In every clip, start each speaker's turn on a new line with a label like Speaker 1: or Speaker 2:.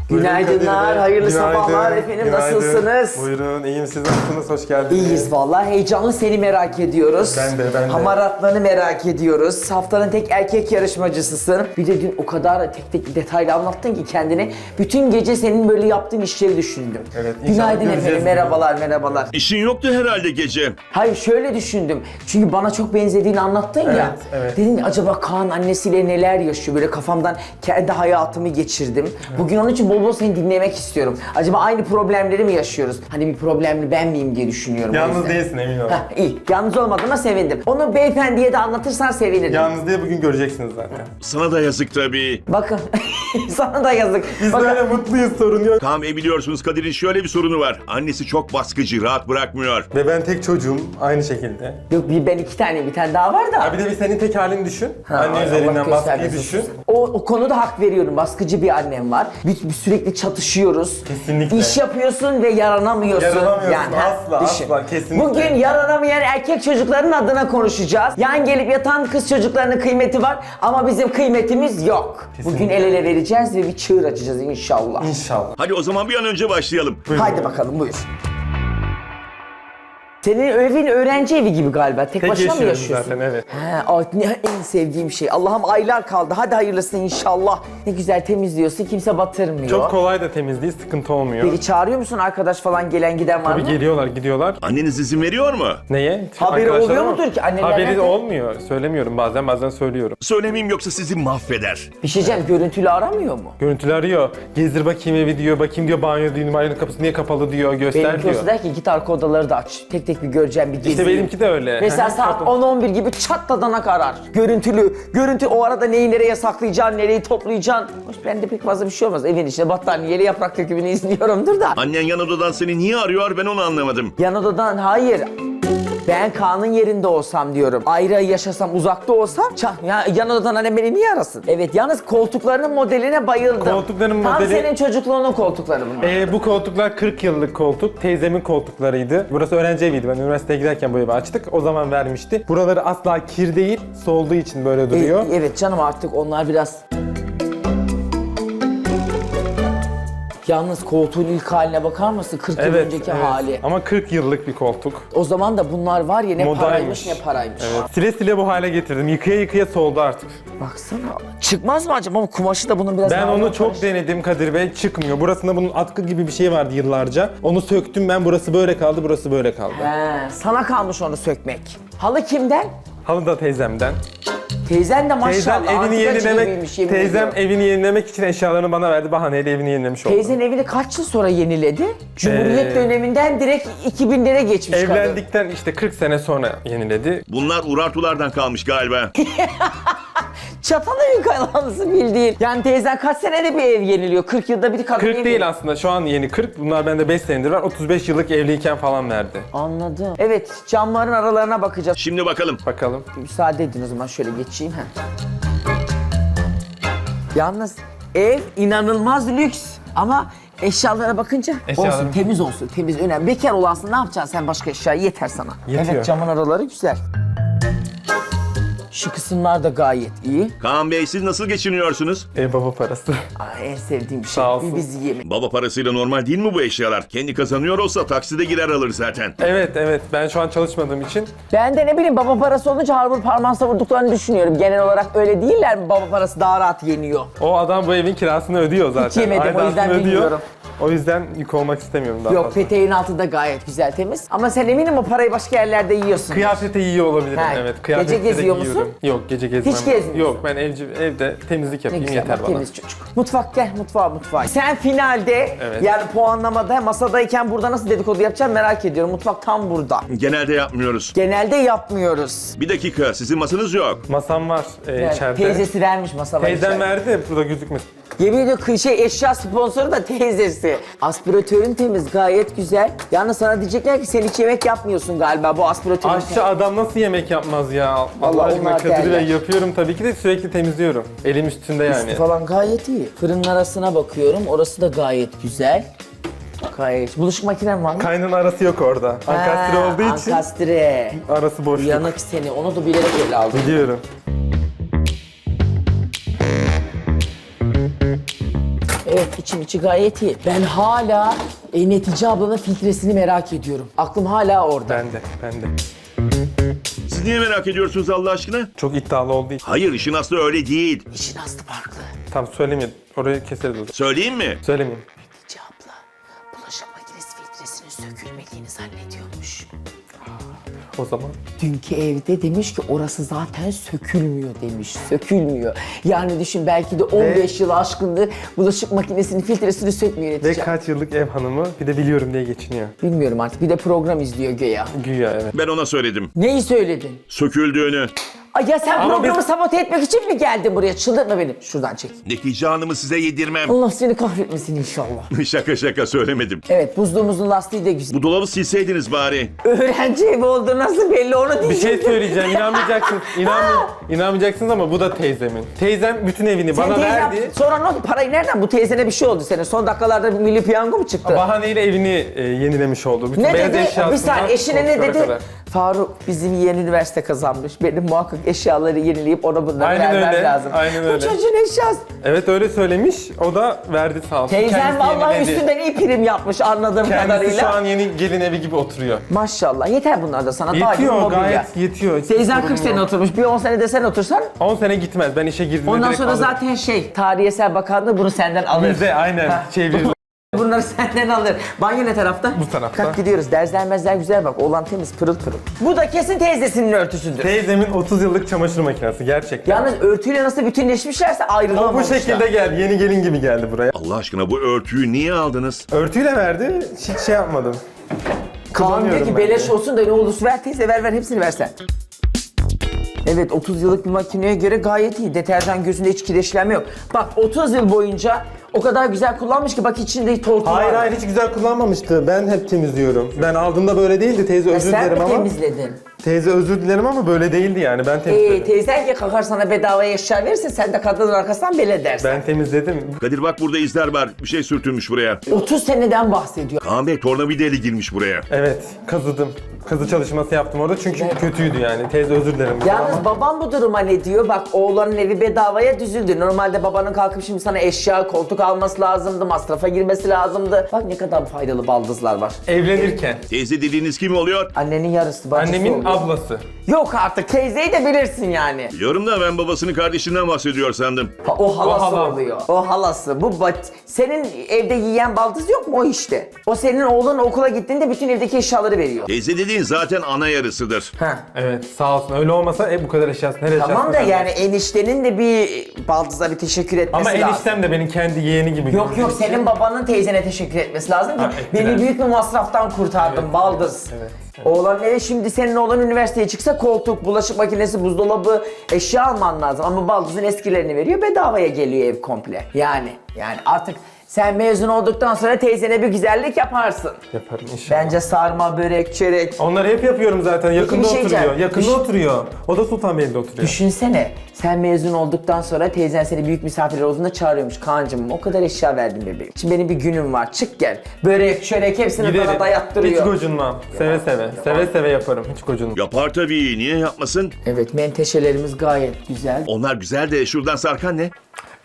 Speaker 1: Günaydınlar, hayırlı sabahlar efendim.
Speaker 2: Günaydın.
Speaker 1: Nasılsınız?
Speaker 2: Buyurun, iyiyim. Siz nasılsınız? Hoş geldiniz.
Speaker 1: İyiyiz vallahi. Heyecanlı seni merak ediyoruz.
Speaker 2: Ben de.
Speaker 1: Hamaratlarını merak ediyoruz. Haftanın tek erkek yarışmacısısın. Bir de dün o kadar tek detaylı anlattın ki kendini. Bütün gece senin böyle yaptığın işleri düşündüm.
Speaker 2: Evet, inşallah
Speaker 1: Günaydın
Speaker 2: göreceğiz
Speaker 1: efendim,
Speaker 2: bugün.
Speaker 1: merhabalar.
Speaker 3: İşin yoktu herhalde gece.
Speaker 1: Hayır şöyle düşündüm. Çünkü bana çok benzediğini anlattın ya.
Speaker 2: Evet.
Speaker 1: Dedim acaba Kaan annesiyle neler yaşıyor? Böyle kafamdan kendi hayatımı geçirdim. Bugün onun için bol bol seni dinlemek istiyorum. Acaba aynı problemleri mi yaşıyoruz? Hani bir problemli ben miyim diye düşünüyorum. o
Speaker 2: Yalnız
Speaker 1: yüzden.
Speaker 2: değilsin, emin ol.
Speaker 1: Heh, iyi. Yalnız olmadığıma sevindim. Onu beyefendiye de anlatırsan sevinirim.
Speaker 2: Yalnız diye bugün göreceksiniz zaten.
Speaker 3: Sana da yazık tabii.
Speaker 1: Bakın. Sana da yazık.
Speaker 2: Biz
Speaker 1: Bakın.
Speaker 2: böyle mutluyuz, sorun yok.
Speaker 3: Kaan Bey biliyorsunuz Kadir'in şöyle bir sorunu var. Annesi çok baskıcı, rahat bırakmıyor.
Speaker 2: Ve ben tek çocuğum, aynı şekilde.
Speaker 1: Yok ben iki tane, bir tane daha var da.
Speaker 2: Ha bir de bir senin tek halini düşün.
Speaker 1: Ha,
Speaker 2: Anne
Speaker 1: Allah
Speaker 2: üzerinden baskıyı
Speaker 1: göstermesin.
Speaker 2: düşün.
Speaker 1: O konuda hak veriyorum. Baskıcı bir annem var. Biz sürekli çatışıyoruz.
Speaker 2: Kesinlikle.
Speaker 1: İş yapıyorsun ve yaranamıyorsun.
Speaker 2: Yaranamıyorsun,
Speaker 1: ha,
Speaker 2: asla,
Speaker 1: düşün.
Speaker 2: asla, kesinlikle.
Speaker 1: Bugün yaranamayan erkek çocukların adına konuşacağız. Yan gelip yatan kız çocuklarının kıymeti var ama bizim kıymetimiz yok.
Speaker 2: Kesinlikle.
Speaker 1: Bugün el ele vereceğiz ve bir çığır açacağız inşallah.
Speaker 2: İnşallah.
Speaker 3: Hadi o zaman bir an önce başlayalım.
Speaker 2: Buyurun.
Speaker 1: Haydi bakalım buyur. Senin evin öğrenci evi gibi galiba. Tek
Speaker 2: Tek
Speaker 1: başına mı
Speaker 2: yaşıyorum
Speaker 1: yaşıyorsun?
Speaker 2: zaten, evet.
Speaker 1: En sevdiğim şey. Allah'ım aylar kaldı. Hadi hayırlısı inşallah. Ne güzel temizliyorsun. Kimse batırmıyor.
Speaker 2: Çok kolay da temizliği, sıkıntı olmuyor.
Speaker 1: Peki çağırıyor musun arkadaş falan gelen giden var
Speaker 2: Tabii
Speaker 1: mı?
Speaker 2: gidiyorlar.
Speaker 3: Anneniz izin veriyor mu?
Speaker 2: Neye?
Speaker 1: Haberi
Speaker 2: Arkadaşlar
Speaker 1: oluyor
Speaker 2: ama
Speaker 1: mudur ki? Anneler
Speaker 2: Haberi
Speaker 1: nerede?
Speaker 2: olmuyor. Söylemiyorum bazen söylüyorum.
Speaker 3: Söylemeyeyim yoksa sizi mahveder.
Speaker 1: Bir şey diyeceğim, görüntülü aramıyor mu?
Speaker 2: Görüntülü arıyor. Gezdir bakayım evi diyor. Bakayım diyor banyo diyor. Numaranın kapısı niye kapalı diyor. Göster
Speaker 1: Benimki
Speaker 2: diyor.
Speaker 1: olsa der ki git arka odaları da aç. Tek tek bir göreceğim, bir gezeyim.
Speaker 2: İşte benimki de öyle.
Speaker 1: Mesela saat 10-11 gibi çatladanak arar. Görüntü o arada neyi nereye saklayacaksın, nereyi toplayacaksın. Hoş bende pek fazla bir şey olmaz. Evin içinde battaniyeli yaprak dökümünü izliyorumdur da.
Speaker 3: Annen yan odadan seni niye arıyor ben onu anlamadım.
Speaker 1: Yan odadan hayır. Ben Kaan'ın yerinde olsam diyorum. Ayrı yaşasam, uzakta olsam ya yan odadan annem beni niye arasın? Evet, yalnız koltuklarının modeline bayıldım.
Speaker 2: Koltukların
Speaker 1: Tam
Speaker 2: modeli-
Speaker 1: senin çocukluğunun koltukları bunlar.
Speaker 2: Bu koltuklar 40 yıllık koltuk. Teyzemin koltuklarıydı. Burası öğrenci eviydi. Ben üniversiteye giderken bu evi açtık. O zaman vermişti. Buraları asla kir değil, solduğu için böyle duruyor.
Speaker 1: Evet canım, artık onlar biraz... Yalnız koltuğun ilk haline bakar mısın? 40 yıl önceki hali.
Speaker 2: Ama 40 yıllık bir koltuk.
Speaker 1: O zaman da bunlar var ya, ne
Speaker 2: Modaymış.
Speaker 1: paraymış ne paraymış.
Speaker 2: Evet. Sile sile bu hale getirdim. Yıkaya soldu artık.
Speaker 1: Baksana. Çıkmaz mı acaba? Ama kumaşı da bunun biraz
Speaker 2: Ben
Speaker 1: daha
Speaker 2: onu
Speaker 1: karışık.
Speaker 2: çok denedim Kadir Bey. Çıkmıyor. Burasında bunun atkı gibi bir şey vardı yıllarca. Onu söktüm ben. Burası böyle kaldı, burası böyle kaldı.
Speaker 1: He, sana kalmış onu sökmek. Halı kimden?
Speaker 2: Halı da teyzemden.
Speaker 1: Teyzen de maşallah
Speaker 2: Teyzem evini
Speaker 1: antikacı gibiymiş,
Speaker 2: yenilemek,
Speaker 1: yemin
Speaker 2: teyzem
Speaker 1: ediyorum.
Speaker 2: evini yenilemek için eşyalarını bana verdi. Bahaneyle evini yenilemiş oldu.
Speaker 1: Teyzen evini kaç yıl sonra yeniledi? Cumhuriyet
Speaker 2: Ee,
Speaker 1: döneminden direkt 2000'lere geçmiş kadın.
Speaker 2: Evlendikten işte 40 sene sonra yeniledi.
Speaker 3: Bunlar urartulardan kalmış galiba.
Speaker 1: Çatal evin kaynalısı bildiğin. Yani teyzen kaç senede bir ev yeniliyor? 40 yılda bir kadın
Speaker 2: 40
Speaker 1: yeniliyor.
Speaker 2: değil aslında, şu an yeni 40. Bunlar bende 5 senedir var. 35 yıllık evliyken falan verdi.
Speaker 1: Anladım. Evet, camların aralarına bakacağız.
Speaker 3: Şimdi bakalım.
Speaker 2: Bakalım.
Speaker 1: Müsaade edin o zaman, şöyle geçeyim. Yalnız ev inanılmaz lüks ama eşyalara bakınca
Speaker 2: Eşyalarım-
Speaker 1: olsun, temiz olsun, temiz önemli. Bekar olansın, ne yapacaksın sen başka eşyayı, yeter sana.
Speaker 2: Yetiyor.
Speaker 1: Evet, camın araları güzel. Şu kısımlar da gayet iyi.
Speaker 3: Kaan Bey siz nasıl geçiniyorsunuz?
Speaker 2: Ev baba parası.
Speaker 1: En sevdiğim şey.
Speaker 2: Sağ olsun.
Speaker 1: Bir bizi yemek.
Speaker 3: Baba parasıyla normal değil mi bu eşyalar? Kendi kazanıyor olsa takside girer alır zaten.
Speaker 2: Evet. Ben şu an çalışmadığım için.
Speaker 1: Ben de ne bileyim, baba parası olunca harbur parmağı savurduklarını düşünüyorum. Genel olarak öyle değiller mi? Baba parası daha rahat yeniyor.
Speaker 2: O adam bu evin kirasını ödüyor zaten.
Speaker 1: yemedim, o
Speaker 2: Aidatını
Speaker 1: yüzden bilmiyorum.
Speaker 2: O yüzden yük olmak istemiyorum daha
Speaker 1: Yok,
Speaker 2: fazla.
Speaker 1: peteğin altı da gayet güzel, temiz. Ama sen eminim o parayı başka yerlerde yiyorsun.
Speaker 2: Kıyafete yiyor olabilirim,
Speaker 1: Ha,
Speaker 2: evet.
Speaker 1: gece
Speaker 2: Kıyafette de
Speaker 1: geziyor musun?
Speaker 2: giyiyorum. Yok, gece gezmem.
Speaker 1: Hiç gezmiyorsun.
Speaker 2: Yok, ben evde temizlik
Speaker 1: Ne
Speaker 2: yapayım
Speaker 1: güzel,
Speaker 2: yeter
Speaker 1: bak,
Speaker 2: bana.
Speaker 1: temiz çocuk. Mutfak, gel mutfağa. Sen finalde,
Speaker 2: Evet.
Speaker 1: yani puanlamada, masadayken burada nasıl dedikodu yapacağım merak ediyorum. Mutfak tam burada.
Speaker 3: Genelde yapmıyoruz.
Speaker 1: Genelde yapmıyoruz.
Speaker 3: Bir dakika sizin masanız yok.
Speaker 2: Masam var
Speaker 1: Yani
Speaker 2: içeride.
Speaker 1: teyzesi vermiş masalar
Speaker 2: Teyzem
Speaker 1: içeride.
Speaker 2: verdi, burada gözükmesin.
Speaker 1: Yemin ediyorum eşya sponsoru da teyzesi. Aspiratörün temiz, gayet güzel. Yalnız sana diyecekler ki sen hiç yemek yapmıyorsun galiba bu aspiratörün.
Speaker 2: Aşçı adam nasıl yemek yapmaz ya? Allah
Speaker 1: Vallahi
Speaker 2: aşkına
Speaker 1: onlar
Speaker 2: Kadir
Speaker 1: derler.
Speaker 2: Bey, yapıyorum tabii ki de sürekli temizliyorum. Elim üstünde yani.
Speaker 1: Üstü falan gayet iyi. Fırının arasına bakıyorum, orası da gayet güzel. Gayet. Bulaşık makinen var mı?
Speaker 2: Kaynın arası yok orada. Ankastre olduğu için
Speaker 1: Ankastre.
Speaker 2: arası boşluk.
Speaker 1: Uyanık seni, onu da bilerek öyle aldım.
Speaker 2: Biliyorum.
Speaker 1: Evet, içi gayet iyi. Ben hala Netice ablanın filtresini merak ediyorum. Aklım hala orada.
Speaker 2: Ben de.
Speaker 3: Siz niye merak ediyorsunuz Allah aşkına?
Speaker 2: Çok iddialı olduğu için.
Speaker 3: Hayır, işin aslı öyle değil.
Speaker 1: İşin aslı farklı.
Speaker 2: Tam söylemeyeyim. Orayı keseriz o zaman.
Speaker 3: Söyleyeyim mi?
Speaker 2: Söylemeyeyim.
Speaker 1: Netice abla bulaşık makinesi filtresinin sökülmediğini zannediyormuş.
Speaker 2: O zaman.
Speaker 1: Dünkü evde demiş ki orası zaten sökülmüyor demiş. Sökülmüyor. Yani düşün belki de 15 yıl aşkındır bulaşık makinesinin filtresini sökmüyor
Speaker 2: Ve
Speaker 1: Netice.
Speaker 2: kaç yıllık ev hanımı bir de biliyorum diye geçiniyor.
Speaker 1: Bilmiyorum artık. Bir de program izliyor güya.
Speaker 2: Güya evet.
Speaker 3: Ben ona söyledim.
Speaker 1: Neyi söyledin?
Speaker 3: Söküldüğünü.
Speaker 1: Ay ya sen
Speaker 2: Ama
Speaker 1: programı
Speaker 2: biz-
Speaker 1: sabote etmek için mi geldin buraya? Çıldırtma beni. Şuradan çek.
Speaker 3: Netice Hanım'ı size yedirmem.
Speaker 1: Allah seni kahretmesin inşallah.
Speaker 3: Şaka söylemedim.
Speaker 1: Evet, buzluğumuzun lastiği de güzel.
Speaker 3: Bu dolabı silseydiniz bari.
Speaker 1: Öğrenci evi oldu nasıl belli onu
Speaker 2: Bir
Speaker 1: diyecektim.
Speaker 2: şey söyleyeceğim. İnanmayacaksınız. İnanmayacaksınız ama bu da teyzemin. Teyzem bütün evini
Speaker 1: Sen
Speaker 2: bana
Speaker 1: teyzem-
Speaker 2: verdi.
Speaker 1: Sonra ne oldu? Parayı nereden? Bu teyzene bir şey oldu senin. Son dakikalarda bir milli piyango mu çıktı?
Speaker 2: Bahaneyle evini yenilemiş oldu. Bütün
Speaker 1: Ne
Speaker 2: beyaz
Speaker 1: dedi?
Speaker 2: eşyasından
Speaker 1: Bir saniye eşine ne
Speaker 2: koltuklara
Speaker 1: dedi?
Speaker 2: kadar.
Speaker 1: Faruk bizim yeğen üniversite kazanmış. Benim muhakkak eşyaları yenileyip ona bunları
Speaker 2: Aynen
Speaker 1: vermem
Speaker 2: öyle,
Speaker 1: lazım.
Speaker 2: aynen
Speaker 1: Bu
Speaker 2: öyle.
Speaker 1: çocuğun eşyası.
Speaker 2: Evet öyle söylemiş. O da verdi sağ olsun.
Speaker 1: Teyzen
Speaker 2: Kendisi
Speaker 1: vallahi
Speaker 2: yeniledi.
Speaker 1: üstünden iyi prim yapmış anladığım
Speaker 2: Kendisi
Speaker 1: kadarıyla.
Speaker 2: şu an yeni gelin evi gibi oturuyor.
Speaker 1: Maşallah yeter bunlar da sana. Daha iyi
Speaker 2: Yetiyor
Speaker 1: mobilya.
Speaker 2: gayet yetiyor. Hiç
Speaker 1: Teyzen
Speaker 2: sorun
Speaker 1: 40 sene
Speaker 2: yok.
Speaker 1: oturmuş. Bir 10 sene de sen otursan
Speaker 2: 10 sene gitmez. Ben işe girdiğimde
Speaker 1: ondan
Speaker 2: direkt
Speaker 1: sonra
Speaker 2: alırım.
Speaker 1: zaten Tarihi Eser Bakanlığı bunu senden alır.
Speaker 2: Bizde aynen çevirilir.
Speaker 1: Bunları senden alır. Banyo ne tarafta?
Speaker 2: Bu tarafta.
Speaker 1: Kalk gidiyoruz. Derzlenmezler güzel bak. Oğlan temiz pırıl pırıl. Bu da kesin teyzesinin örtüsüdür.
Speaker 2: Teyzemin 30 yıllık çamaşır makinesi gerçekten.
Speaker 1: Yalnız örtüyle nasıl bütünleşmişlerse
Speaker 2: O bu
Speaker 1: ayrılamamışlar.
Speaker 2: şekilde geldi. Yeni gelin gibi geldi buraya.
Speaker 3: Allah aşkına bu örtüyü niye aldınız?
Speaker 2: Örtüyle verdi. Hiç şey yapmadım.
Speaker 1: Kaan diyor
Speaker 2: Kullanıyorum
Speaker 1: ki
Speaker 2: ben
Speaker 1: beleş
Speaker 2: de.
Speaker 1: olsun da ne olursa ver teyze ver hepsini versen. Evet 30 yıllık bir makineye göre gayet iyi. Deterjan gözünde hiç kireçlenme yok. Bak 30 yıl boyunca o kadar güzel kullanmış ki bak içinde tortu var.
Speaker 2: Hayır hiç güzel kullanmamıştı. Ben hep temizliyorum. Ben aldığımda böyle değildi. Teyze özür
Speaker 1: Sen
Speaker 2: dilerim
Speaker 1: mi
Speaker 2: ama.
Speaker 1: temizledin?
Speaker 2: Teyze özür dilerim ama böyle değildi yani. Ben temizledim.
Speaker 1: Teyzen ki kalkar sana bedavaya eşya verirse sen de kadının arkasından bel edersin.
Speaker 2: Ben temizledim.
Speaker 3: Kadir bak burada izler var. Bir şey sürtülmüş buraya.
Speaker 1: 30 seneden bahsediyor.
Speaker 3: Kaan Bey tornavidayla girmiş buraya.
Speaker 2: Evet kazıdım. Kazı çalışması yaptım orada çünkü kötüydü yani. Teyze özür dilerim.
Speaker 1: Yalnız
Speaker 2: ama.
Speaker 1: babam bu duruma ne diyor? Bak oğlanın evi bedavaya düzüldü. Normalde babanın kalkıp şimdi sana eşya, koltuk alması lazımdı, masrafa girmesi lazımdı. Bak ne kadar faydalı baldızlar var.
Speaker 2: Evlenirken.
Speaker 3: Teyze dediğiniz kim oluyor?
Speaker 1: Annenin yarısı, bacısı
Speaker 2: Annemin
Speaker 1: oluyor.
Speaker 2: ablası.
Speaker 1: Yok artık teyzeyi de bilirsin yani.
Speaker 3: Biliyorum da ben babasının kardeşinden bahsediyor sandım.
Speaker 1: Ha, o halası
Speaker 2: O hala.
Speaker 1: oluyor. O halası. Senin evde yiyen baldız yok mu o işte? O senin oğlun okula gittiğinde bütün evdeki eşyaları veriyor.
Speaker 3: Teyze dediğin zaten ana yarısıdır.
Speaker 1: Ha.
Speaker 2: Evet sağ olsun. Öyle olmasa bu kadar eşyası nereye
Speaker 1: Tamam da
Speaker 2: eşyası
Speaker 1: yani eniştenin de bir baldıza bir teşekkür etmesi
Speaker 2: Ama
Speaker 1: lazım.
Speaker 2: eniştem de benim kendi yeğeni gibi.
Speaker 1: Yok yok senin babanın teyzene teşekkür etmesi lazım ki
Speaker 2: Ha, ettiler.
Speaker 1: beni büyük bir masraftan kurtardın
Speaker 2: Evet,
Speaker 1: baldız.
Speaker 2: evet.
Speaker 1: Oğlan eve şimdi senin oğlan üniversiteye çıksa koltuk, bulaşık makinesi, buzdolabı, eşya alman lazım. Ama baldızın eskilerini veriyor bedavaya geliyor ev komple. Yani artık sen mezun olduktan sonra teyzene bir güzellik yaparsın.
Speaker 2: Yaparım inşallah.
Speaker 1: Bence sarma, börek, çörek.
Speaker 2: Onları hep yapıyorum zaten. Yakında
Speaker 1: bir şey
Speaker 2: oturuyor.
Speaker 1: diyeceğim.
Speaker 2: Yakında oturuyor. O da Sultanbeyli'de oturuyor.
Speaker 1: Düşünsene sen mezun olduktan sonra teyzen seni büyük misafirler olduğunda çağırıyormuş. Kaan'cığım o kadar eşya verdim bebeğim. Şimdi benim bir günüm var çık gel. Börek, çörek hepsini bana
Speaker 2: Hiç
Speaker 1: dayattırıyor.
Speaker 2: gocunmam. Seve seve. Seve seve yaparım. Hiç gocunmam.
Speaker 3: Yapar tabii. Niye yapmasın?
Speaker 1: Evet menteşelerimiz gayet güzel.
Speaker 3: Onlar güzel de şuradan sarkan ne?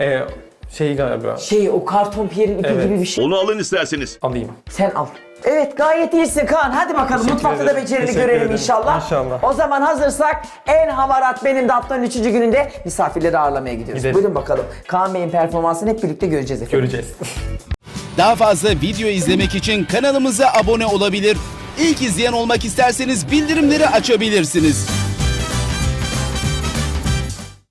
Speaker 2: Şey galiba.
Speaker 1: O karton piyerin ipi
Speaker 2: Evet.
Speaker 1: gibi bir şey.
Speaker 3: Onu alın isterseniz.
Speaker 2: Alayım.
Speaker 1: Sen al. Evet gayet iyisin Kaan. Hadi bakalım
Speaker 2: Teşekkür
Speaker 1: mutfakta da
Speaker 2: ederim.
Speaker 1: becerini
Speaker 2: Teşekkür
Speaker 1: görelim
Speaker 2: ederim.
Speaker 1: inşallah.
Speaker 2: İnşallah.
Speaker 1: O zaman hazırsak en hamarat benim de haftanın 3. gününde misafirleri ağırlamaya gidiyoruz.
Speaker 2: Gidelim.
Speaker 1: Buyurun bakalım. Kaan Bey'in performansını hep birlikte göreceğiz efendim.
Speaker 2: Göreceğiz.
Speaker 4: Daha fazla video izlemek için kanalımıza abone olabilir. İlk izleyen olmak isterseniz bildirimleri açabilirsiniz.